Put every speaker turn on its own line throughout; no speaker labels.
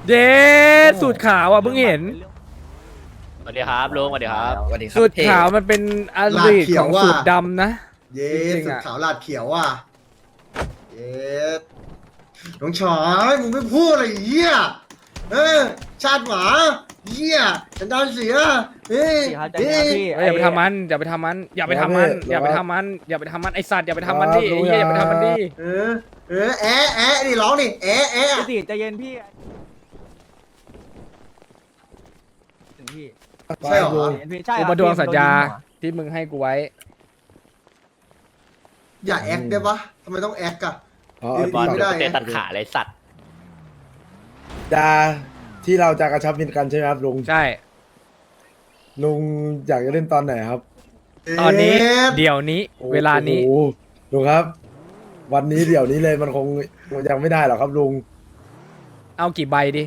เดสูตรขาวอ่ะเพิ่งเห็น
สวัสดีครับลุงสวัสดีครับ
สวัสดีครับ
สูตรขาวมันเป็นอดีตของสูตรดำนะ
เย้
จริงๆ
สุด
อะ
ขาวลาดเขียวว่ะเย้น้องชายมึงไม่พูดอะไรเหี้ยชาติหมาเหี้ยฉันดาวเสียเฮ้ย
พี่ครับใจเย็นครับพี่
อย่าไปทำมันอย่าไปทำมันอย่าไปทำมันอย่าไปทำมันอย่าไปทำมันไอสัตว์อย่าไปทำมันดิไอ้เหี้ยอย่าไปทำมันดิ
แอะนี่ร้องนี่แอะ
พี่ติใจเย็นพี่ถึงพี่
ใช่เหรอ
ใจเย็นพี่ใช่
กู
ครับ
มาดวงสัญญา
พี่
ที่มึงให้กูไว้
อย่าแอคได้ปะทำไมต้องแอคอะ
อ๋อ
บอล
ไม่ได้
เตะตัดขาเลยสัตว์
ดาที่เราจะกระชับมิตรกันใช่ไหมครับลุง
ใช่
ลุงอยากจะเล่นตอนไหนครับ
ตอนนี้
เอ๊ะ
เดี๋ยวนี้เวลานี้
โอ้โหลุงครับ วันนี้เดี๋ยวนี้เลยมันคงยังไม่ได้หรอกครับลุง
เอากี่ใบดิ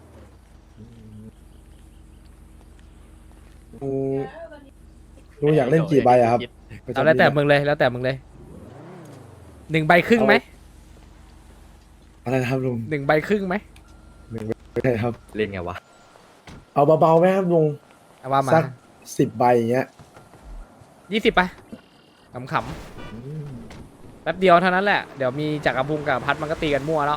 ลุงลุงอยากเล่นกี่ใบอะครับ
เอาแล้วแต่มึงเลยแล้วแต่มึงเลย1 ใบครึ่งไหม
อะไรนะครับลุง
1 ใบครึ่งไหม
ไม่ได้ครับ
เล่นไงวะ
เอาเบาๆไหมครับลุง
เอาว่ามา
สัก10 ใบอย่างเงี้ย
20ไปขำๆแป๊บเดียวเท่านั้นแหละเดี๋ยวมีจักรพุงกับพัดมันก็ตีกันมั่วแล้ว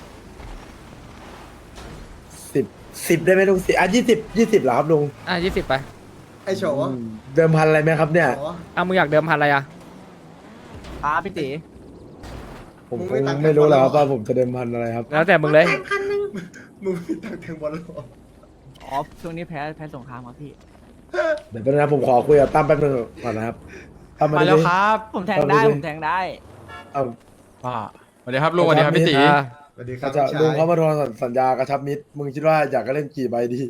10ได้ไหมลุง20เหรอครับลุง
20ไป
ไอโฉ
เดิมพันอะไรไหมครับเนี่ย
มึงอยากเดิมพันอะไรอ่ะ
ครับพี่ติ
ผมคงไม่รู้แล้วครับว่าผมจะเดิมพันอะไรครับ
แล้วแต่มึงเลย
มึงไม่ตั้งแทงบอลหรอ
อ๋อช่วงนี้แพ้สงครามครับพี่
เดี๋ยวแป๊บนึงนะผมขอคุยกับตั้มแป๊บนึงก่อนนะครับตั้ม
มาแล้วครับ
ผมแทงได้ผมแทงได้
เอา
ป้าสวัสดีครับลุงสวัสดีครับพี่ตี
สวัสดีครับ
จะ
พี่ชาย
ลุงเขามาทวงสัญญากระชับมิตรมึงคิดว่าอยากจะเล่นกี่ใบดี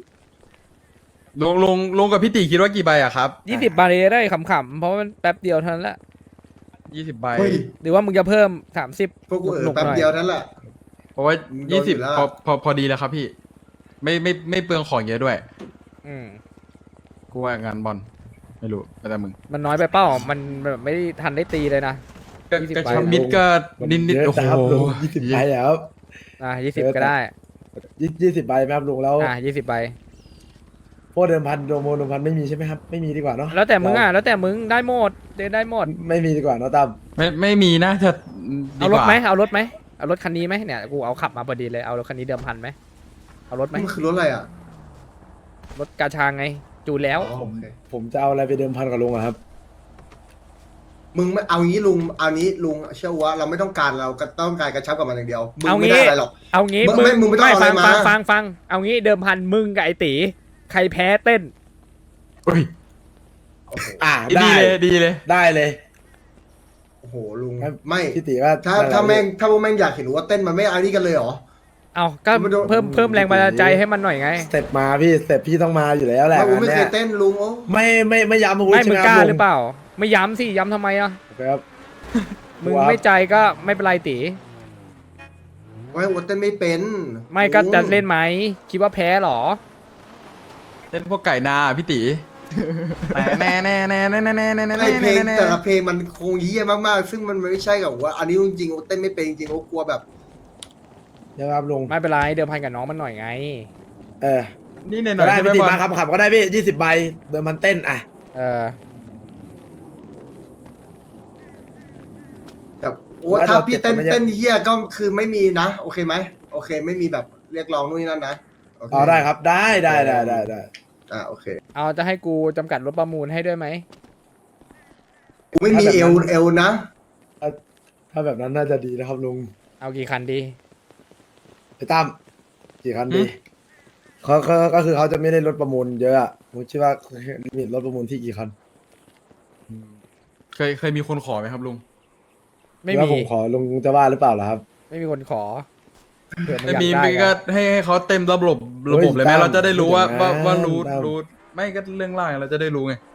ลุงกับพี่ตีคิดว่ากี่ใบอะครับ
20 ใบได้ขำๆเพราะว่ามันแป๊บเดียวเท่านั้นแหละ
20 ใบ
เฮ้ย
หรือว่ามึงจะเพิ่ม30
พวกกู
หนุก
แป๊
ๆ
บ
หน่อย
เดียวนั่นแหละ
เพราะว่า
โดนอยู่แล้ว
20พอดีแล้วครับพี่ ไม่เปลืองของเยอะด้วย
อืม
กูว่างานบอลไม่รู้แล้วแต่มึง
มันน้อยไปเป้ามันแบบไม่ได้ทันได้ตีเลยนะ 20
กระชับมิตรก็นิด
เยอะ
โอ้โห
นะครับลุง20 ใบอะครับ
20 ก็ได้
20 ใบไหมครับลุงแล้ว
20 ใบ
พวกเดิมพันเดิมพันไม่มีใช่ไหมครับไม่มีดีกว่าเนาะ
แล้วแต่มึงแล้วแต่มึงได้หมดได้หมด
ไม่มีดีกว่าเนาะตั้ม
ไม่มีนะจะดี
เอา
ก
รถ
ว่า
ไหมเอารถไหมเอารถคันนี้ไหมเนี่ยกูเอาขับมาพอดีเลยเอารถคันนี้เดิมพันไหมเอารถไหม
มันคือรถอะไรอ่ะ
รถกาชางไงจูนแล้ว
อ๋อโอเค
ผมจะเอาอะไรไปเดิมพันกับลุงอะครับ
มึงไม่เอางี้ลุงเอานี้ลุงเชื่อว่าเราไม่ต้องการเราก็ต้องการกระชับกับมันอย่างเดียวมึง
เอา
ไม่
งี้
ได้อะไรหรอก
เอางี้
มึงไม่ต้องเอาอะไร
ฟัง
มา
ฟังเอางี้เดิมพันมึงกับไอตีใครแพ้เต้น
อุ้ย
ได้
ดีเลย
ได้เลย
โอ้โหลุง
ครับ
ไม่
พี่ติว่า
ถ้าแม่งถ้าพวกแม่งอยากเห็นว่าเต้นมันไม่เอานี่กันเลยเหรอ
เอาก็
มันโดน
เพิ่มแรงบันดาลใจให้มันหน่อยไง
สเต็ปมาพี่สเต็ปพี่ต้องมาอยู่แล้วแหละ
ถ้ากูไม่เค
งาน
ยเต้นลุงโอ้
ไม่ย้ำอาวุธ
ไม่
ใช่
มึ
ไห
ง
มค
ก
รับ
ล้า
ลุง
หรือเปล่า ไม่ย้ำสิย้ำทำไมอ่ะ
ครับ
มึงไม่ใจก็ไม่เป็นไรตี
ไว้ว่าเต้นไม่เป็น
ไม่ก็จะเล่นไหมคิดว่าแพ้เหรอ
เต้นพวกไก่นาพี่ตีแน่แน่แน่แน่แน่แน่แน่แน่
ไอเพลง
แน่
แต่ละเพลงมันคงเยี่ยมากๆ ซึ่งมันไม่ใช่กับว่า อันนี้จริงๆโอ้เต้นไม่เป็นจริงๆโอ้กลัวแบบ
เดี๋ยวครับลุง
ไม่เป็นไรเดิมพันกับน้องมันหน่อยไง
เออ
นี่หน่
ก็
อย
ได้
ใช่ไหม
พี่ติ
บอล
มาครับขับก็ได้พี่20 ใบเดิมพันเต้นอ่ะ
เออ
แบบโอ้ถ้าพี่เต้นเยี่ยก็คือไม่มีนะ โอเคไหมโอเค ไม่มีแบบเรียกร้องนู่นนี่นั่นนะโอเค
อ๋อได้ครับได้
โอเค
เอาจะให้กูจำกัดรถประมูลให้ด้วยไหม
กูไม่มีเอวนะ
ถ้าแบบนั้นน่าจะดีนะครับลุง
เอากี่คันดี
ไอ้ตั้มกี่คันดีเขาก็คือเขาจะไม่ได้รถประมูลเยอะอะผมคิดว่าลิมิตรถประมูลที่กี่คัน
เคยมีคนขอไหมครับลุง
ไม่
แล้ว
มี
ผมขอลุงจะว่าหรือเปล่าล่ะครับ
ไม่มีคนขอเผื่อมึง
ไม่
อยาก
มี
ได้
ไม่ก็
อะ
ให้เขาเต็มระบบ
เฮ้ย
เลยไหม
ตั้ม
เราจะได้รู้ว่า
พูดอย่างนั้น
ว่ารู้
ตั้ม
รู้ไม่ก็เรื่องล่างเราจะได้รู้ไง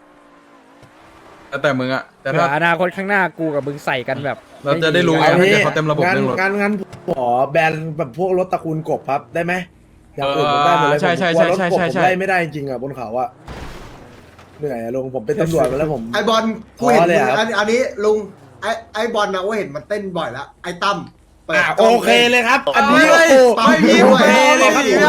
แต่มึงอะแต่
เผื่
ถ้า
ออนาคตข้างหน้ากูกับมึงใส่กันแบบ
เราจะได้รู้ไง
ม่
ให้
มี
เขาเต็มระบบ
งั้น
เรื่องรถ
งั้นขอแบรนด์แบบพวกรถตระกูลกบครับได้ไหมอย่างอื่นผมได้หมดเลย
ใช่
ผมกลัวรถกบ
ใช่
ผมไล่ไม่ได้จริงๆอ่ะบนเขาอ่ะเหนื่อยอะลุงผมเป็นตำรวจมาแล้วผม
ไอบอลกูเห็น
ท้อเลย
มึง
อะ
อันนี้ลุงไอบอลนะว่าเห็นมันเต้นบ่อยแล้วไอตั้มเปิด
โอเคเลยครับ อันนี้
เฮ้ย
โอ้โห
ไม่มี
โอ
ด้วย
เคเลยครับ
ไม่มี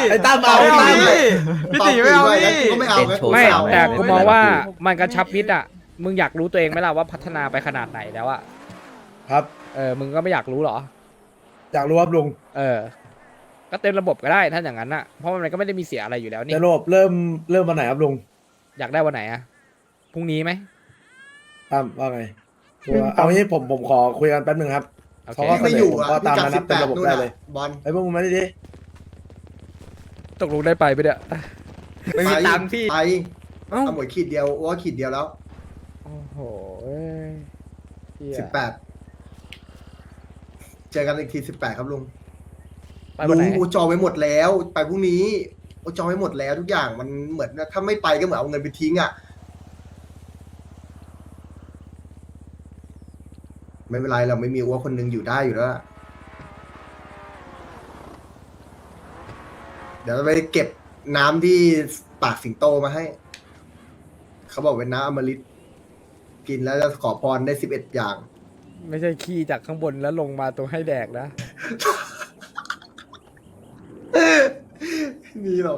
ไอ้ตั้มเอา
ไม่เอา
พี่
พี่ตีไม่เอา
งั้น
พี่
กูก็ไม่เอางั้นกู
ไม่
เอา
แต่กูมองว่ามันกระชับมิตรอ่ะมึงอยากรู้ตัวเองไหมล่ะว่าพัฒนาไปขนาดไหนแล้วอ่ะ
ครับ
มึงก็ไม่อยากรู้เหรอ
อยากรู้ครับลุง
ก็เต็มระบบก็ได้ถ้าอย่างนั้นอ่ะเพราะมันก็ไม่ได้มีเสียอะไรอยู่แล้วนี่
จะระบบเริ่มวันไหนครับลุง
อยากได้วันไหนอ่ะพรุ่งนี้ไหม
ตั้มว่าไงเอางี้ผมขอคุยกันแป๊บนึงครับ
โอเค
เขาก็
ไม่อยู่อ่ะ
ก็ตาม
พิกัด
นั้นนะ
18
เป็นระบบ
นู่น
ได้เลย
น่ะบอล
ไอ้พวกมึงมาดิ
ตกลงได้ไปไหมเนี่ย
ไม่มีตังค์พี่
ไป
เอ้า
เอาหมวยขีดเดียวว่าขีดเดียวแล้ว
โอ้โหเอ้ยเหี้ย
18เจอกันอีกที18ครับลุง
ไปวันไหน
ลุงโอจองไว้หมดแล้ว ไปพรุ่งนี้โอจองไว้หมดแล้วทุกอย่างมันเหมือนถ้าไม่ไปก็เหมือนเอาเงินไปทิ้งอ่ะไม่เป็นไรเราไม่มีอ้วคนหนึงอยู่ได้อยู่แล้วล่ะเดี๋ยวเราไปเก็บน้ำที่ปากสิงโตมาให้ เขาบอกเป็นน้ำอมฤตกินแล้วจะขอพรได้11 อย่าง
ไม่ใช่ขี้จากข้างบนแล้วลงมาตัวให้แดกนะ
มีหรอก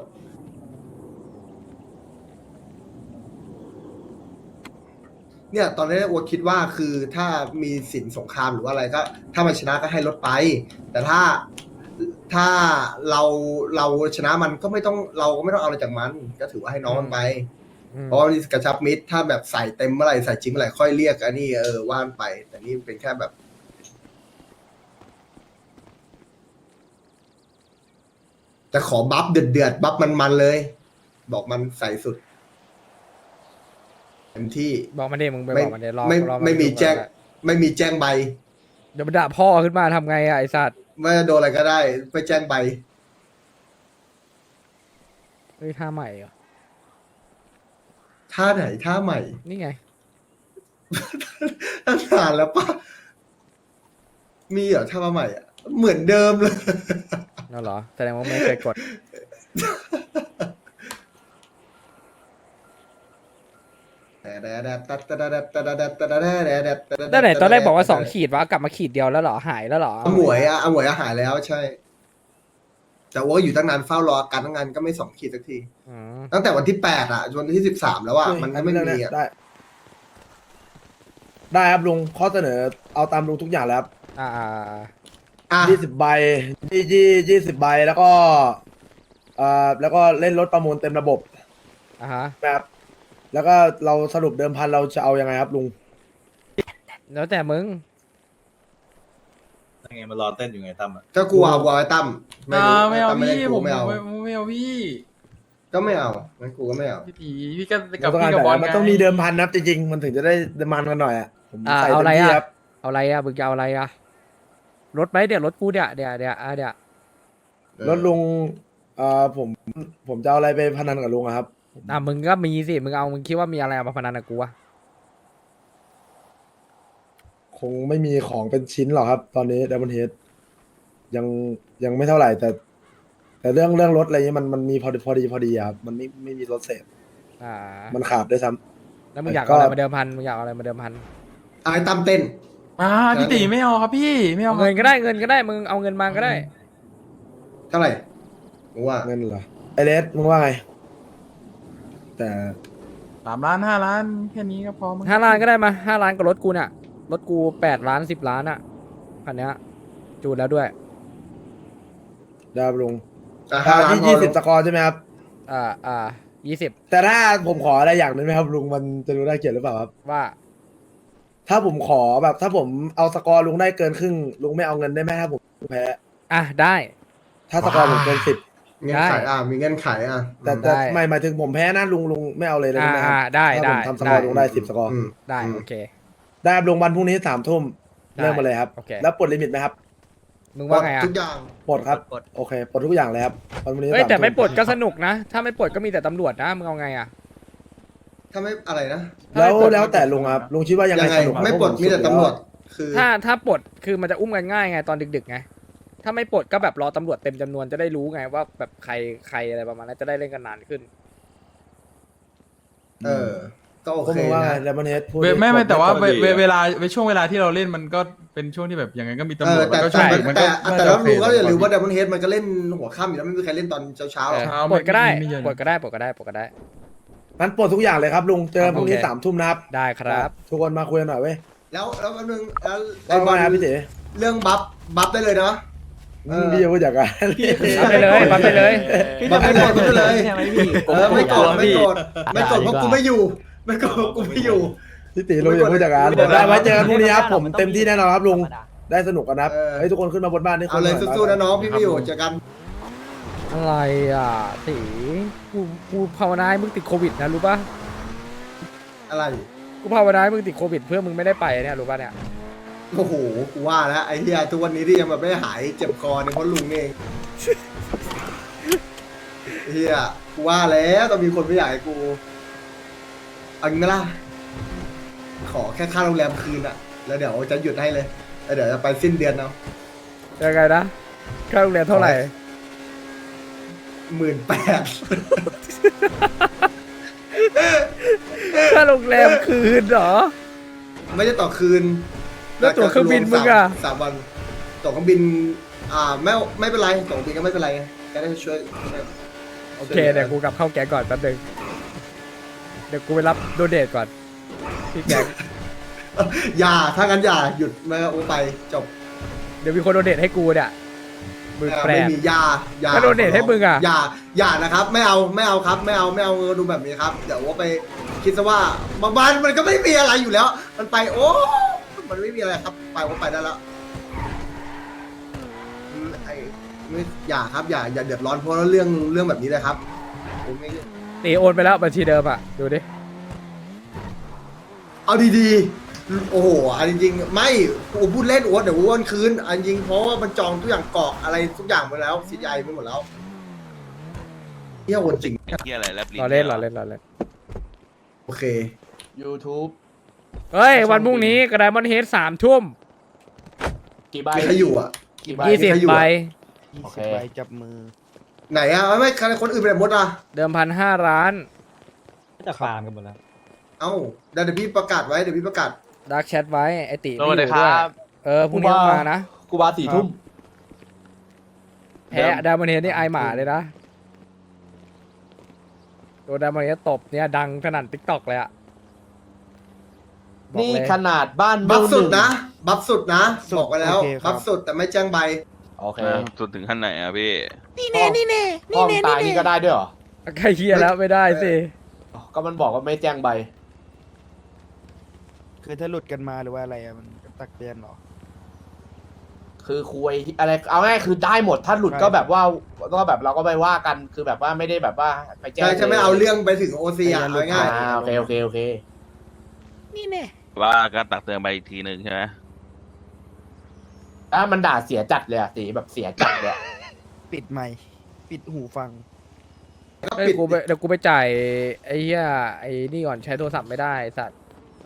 เนี่ยตอนนี้อัวคิดว่าคือถ้ามีสินสงครามหรือว่าอะไรก็ ถ้ามันชนะก็ให้ลดไป แต่ถ้าเราชนะมันก็ไม่ต้องเราก็ไม่ต้องเอาอะไรจากมัน ก็ถือว่าให้น้องมันไป เพราะว่านี่กระชับมิตรถ้าแบบใส่เต็มเมื่อไหร่ใส่จริงเมื่อไหร่ค่อยเรียกอันนี้ว่านไป แต่นี่เป็นแค่แบบ แต่ขอบัฟเดือดบัฟมันเลย บอกมันใส่สุดเต็มที่
บอกมันดิมึงไป
ไม่
บอกมันดิรอ
ไม่
รอ
ไม่มี
ดูก่อน
แจ้ง
ก็ด้
ไม่มีแจ้งใบ
เดี๋ยวมันด่าพ่อขึ้นมาทำไงอะไอสัตว์
ไม่โดนอะไรก็ได้ไปแจ้งใบ
เฮ้ยท่าใหม่เหรอ
ท่าไหนท่าใหม่
นี่ไง
ตั้งนานแล้วปะมีเหรอท่าใหม่อ่ะเหมือนเดิมเลย
นั่นเหรอแสดงว่าไม่เคยกดตั้งไหนตอนแรกบอกว่า2 ขีดวะกลับมาขีดเดียวแล้วเหรอหายแล้วเหรอ
หมวยหายแล้วใช่ แต่ว่าอยู่ตั้งนานเฝ้ารออาการตั้งนานก็ไม่2 ขีดสักที
อืม
ตั้งแต่วันที่8อ่ะจนวันที่13แล้วอ่ะมันก็ไม่มีอ่ะ
ได้ครับลุงข้อเสนอเอาตามลุงทุกอย่างแล้วครับ
อ่า
อ่ะ
20 ใบ20 ใบแล้วก็แล้วก็เล่นรถประมูลเต็มระบบ
ฮะ
นะครับแล้วก็เราสรุปเดิมพันเราจะเอายังไงครับลุง
แล้วแต่มึง
ยังไงมารอเต้นอยู่ไงตั้มอ่ะ
ก็กลัวไอ้ตั้ม
ไม่เอา
ตั้
พี่
เล่น
ผม
ไม่เอา
ไม่เอาพี่
ก็ไม่เอางั้นกูก็ไม่เอา
พี่ตีพี่ก็กับ
ต้อง
พี่
การ
กับบอล
มันต้องมีเดิมพันนะครับจริงๆมันถึงจะได้มันกันหน่อยอ่ะผมใส่
เอา
เต็
อะไร
มที่
อะ
ครับ
เอาอะไรอะมึงจะเอาอะไรอะรถไหมเดี๋ยวรถกูเดี๋ยว
รถลุงผมจะเอาอะไรไปพนันกับลุงอะครับ
มึงก็มีสิมึงคิดว่ามีอะไรมาพนันกับกูอะ
คงไม่มีของเป็นชิ้นหรอกครับ ตอนนี้ดับเบิลเฮดยังไม่เท่าไหร่แต่เรื่องรถอะไรเงี้ยมันมีพอดีอะครับมันไม่มีรถเสพ
อ่า
มันขาดด้วยซ้ำ
แล้วมึงอยากเอาอะไรมาเดิมพันมึงอยากเอาอะไรมาเดิมพัน
ไอ้ตั้มเต้น
พี่ตีไม่เอาครับพี่ไม่เอา
เอาเงินก็ได้มึงเอาเงินมาก็ได้
เท่าไหร่กูว่า
เงินเหรอไอเลสมึงว่าไง แต่
3 ล้าน 5 ล้านแค่นี้ก็พอมั้ง
5 ล้านก็ได้มา5 ล้านกับรถกูเนี่ยรถกู8 ล้าน10 ล้านอะคันเนี้ยจูนแล้วด้วย
ได้ครับลุง
ห้าล้าน
ที่
พอลุง
20 สกอร์ใช่ไหมครับ
20
แต่ถ้าผมขออะไรอย่างหนึงไหมครับลุงมันจะดูน่าเกลียดหรือเปล่าครับ
ว่า
ถ้าผมขอแบบถ้าผมเอาสกอร์ลุงได้เกินครึ่งลุงไม่เอาเงินได้ไหมถ้าผมแพ้
ได้
ถ้าสกอร์ผมเกิน10
เงื่อนไขมีเงื่อนไขอ่ะ
แต่
ได้
ไม่หมายถึงผมแพ้นะลุงไม่เอาเลยได้ไหมครับ
ได้
ถ้าผมทำสกอร์ลุงได้10 สกอร์
อืม
ได้โอเค
ได้ครับลุงวันพรุ่งนี้3 ทุ่ม
ได้
เริ่มมาเลยครับ
โอเค
แล้วปลดลิมิตไหมครับ
มึงว่าไงอะ
ทุกอย่าง
ปลดครับโอเคปลดทุกอย่างเลยครับวันพรุ่งนี้
เฮ้ย
3
แต่ไม่
ทุ่
ปลดก็สนุกนะ ถ้าไม่ปลดก็มีแต่ตำรวจนะมึงเอาไงอะ
ถ้าไม่อะไรนะ
แล้วแต่ลุงครับลุงคิดว่ายังไง
ยังไง
สนุกครับ
ไม่ปลด
เพราะผ
มีแต่
สุด
ตำรวจ
แล้
คือ
ถ้าปลดคือมันจะอุ้มกันง่ายไงตอนดึกๆไงถ้าไม่ปลดก็แบบรอตำรวจเต็มจำนวนจะได้รู้ไงว่าแบบใครอะไรประมาณนั้นจะได้เล่นกันนานขึ้น
เออก็โอ
ก็
เค
มึงว่าไง
นะ
ดับเบิลเฮดพูด
ไม่แต่ว่า
ปกติ
เวลาช่วงเวลาที่เราเล่นมันก็เป็นช่วงที่แบบยังไงก็มีตำรวจ
แต่
แล้วก็ช่วงดึกมันก็
แต่แล้วลุงก็อย่าลืมว่าดับเบิลเฮดมันก็เล่นหัวค่ำอยู่แล้วไม่มีใครเล่นตอนเช้าๆหรอก
ปลดก็ได้
ไม่เยอะ
ปลดก็ได้ปลดก็ได้ปลดก็ได้
งั้นปลดทุกอย่างเลยครับลุงเจอกันพรุ่งนี้
โอเค
3 ทุ่มนะครับ
ได้ครับ
ทุกคนมาคุยกันหน่อยเว้ย
แล้วแป๊บนึงแล้ว
ว่าไงครับพี่เต๋
เรื่องบัฟได้เลยนะ
พี่จะพูดจากการ
ปั๊มได้เลยปั๊มได้เลย
บัฟได้เลยบัฟได้เลย
ใช่ไหมพี่
ไม่โกรธไม่โกรธไม่โกรธเพราะกูไม่อยู่ไม่โกรธเพราะกูไม่อยู่
พี่เต๋ลุงอย่าพูดจากการได้ไว้เจอกันพรุ่งนี้ครับผมเต็มที่แน่นอนครับลุงได้สนุกกันนะครับเฮ้ยทุกคนขึ้นมาบนบ้านนี่ค
เอา
น
เลย
หน่
สู้ๆนะน้องพี่ไม่อยู่เจอกัน
อะไรอ่ะตีกูภาวนาให้มึงติดโควิดนะรู้ป่ะ
อะไร
กูภาวนาให้มึงติดโควิดเพื่อมึงไม่ได้ไปเนี่ยรู้ป่ะเนี่ย
โอ้โหกูว่าแล้วไอ้เหี้ยทุกวันนี้ที่ยังแบบไม่หายเจ็บคอเนี่ยเพราะลุงเองเหี้ยกูว่าแล้วต้องมีคนไม่อยากให้กูเอางี้ไหมล่ะขอแค่ค่าโรงแรมคืนอะแล้วเดี๋ยวจะหยุดให้เลยแล้วเดี๋ยวจะไปสิ้นเดือนเอา
ยังไงนะค่าโรงแรมเท่าไหร่
18,000
ค่าโรงแรมคืนเหรอ
ไม่ได้ต่อคืน
แล้วตั๋วเครื่องบินมึงอะ
สามวันตั๋วเครื่องบินไม่เป็นไรตั๋วเครื่องบินก็ไม่เป็นไรก็ได้ช่วย
โอเคเดี๋ยวกูกลับเข้าแก๊งก่อนแป๊บนึงเดี๋ยวกูไปรับโดเนทก่อนที่แก๊ง
อย่าถ้างั้นอย่าหยุดไม่เอาไปจบ
เดี๋ยวมีคนโดเนทให้กูเนี่ยมือแปร
ไม่มีอย่า
ก็โดเนทให้มึงอะ
อย่านะครับไม่เอาครับไม่เอาดูแบบนี้ครับเดี๋ยวว่าไปคิดซะว่าบางมันก็ไม่มีอะไรอยู่แล้ว มันไปโอ้มันไม่มีอะไรครับไปว่าไปได้แล้วไอ้ไม่อย่าครับอย่าเดือดร้อนเพราะเรื่องแบบนี้เลยครับผมไม่
ตีโอนไปแล้วบัญชีเดิมอ่ะดูดิ
เอาดีๆ โอ้โหอันจริงๆไม่กูพูดเล่นโอ๊ตเดี๋ยวกูโอนคืนอันจริงเพราะว่ามันจองทุกอย่างกรอกอะไรทุกอย่างไปแล้วซีไอไปหมดแล้วเที่ยวโอนจริง
ที่อะไรแลบลิ้น
รอเล่นรอเล่นรอเล่น
โอเค
YouTube
เฮ้ยวันพรุ่งนี้กระไดมอนเฮด3 ทุ่ม
กี่ใบ
มีใครอยู่อ่ะ
20 ใบ
โอเค
จับมือ
ไหนอ่ะไม่ใครคนอื่นไปไหนหมดอ่ะ
เดิมพัน5 ล้าน
จะฟาร์มกันหมดแล้ว
เอ้าเดี๋ยวพี่ประกาศไว้เดี๋ยวพี่ประกาศ
ดักแชทไว้ไอติ
สวัสดีค
ด้ว
รั
ย
บ
พรุ่งนี้ต้องมานะ
กูบา4 ทุ่ม
แพ้ไดมอนเฮดนี่ไอหมาเลยนะโดนไดมอนเฮดตบเนี่ยดังขนาดติ๊กต็อกเลยอะบอก
นี่
เลย
ขนาดบ้าน
บัฟสุด
ห
นะ
ง
บัฟสุดนะ
สุด
บอกไปแล้ว
โอเคครับ
บัฟสุดแต่ไม่แจ้งใบ
โอเค
สุดถึงขั้นไหนอะพี่
ห้องตายนี่ก็ได้ด้วยเหรอ
ใครเฮียแล้วไม่ได้สิ
ก็มันบอกว่าไม่แจ้งใบ
คือถ้าหลุดกันมาหรือว่าอะไรอะมันก็ตักเตือนเหรอ
คือคุยอะไรเอาง่ายคือได้หมดถ้าหลุด
ใช่
ก็แบบว่าก็แบบเราก็ไปว่ากันคือแบบว่าไม่ได้แบบว่าไปแจ้ง
ใช่จะไม่เอาเรื่องไปถึงโอซีอ่ะ
ไม่
เอา
เอา
ง่าย
โอเคโอเคโอเค
ว่าก็ตักเตือนไปอีกทีหนึ่งใช่ไหม
ถ้ามันด่าเสียจัดเลยอะสีแบบเสียจัดเลยอะ
ปิดไมค์ปิดหูฟัง
ๆก็
เฮ้ย
ปิด
เดี๋ยวกูไปจ่ายไอ้เหี้ยไอ้นี่ก่อนใช้โทรศัพท์ไม่ได้ไอ้สัตว์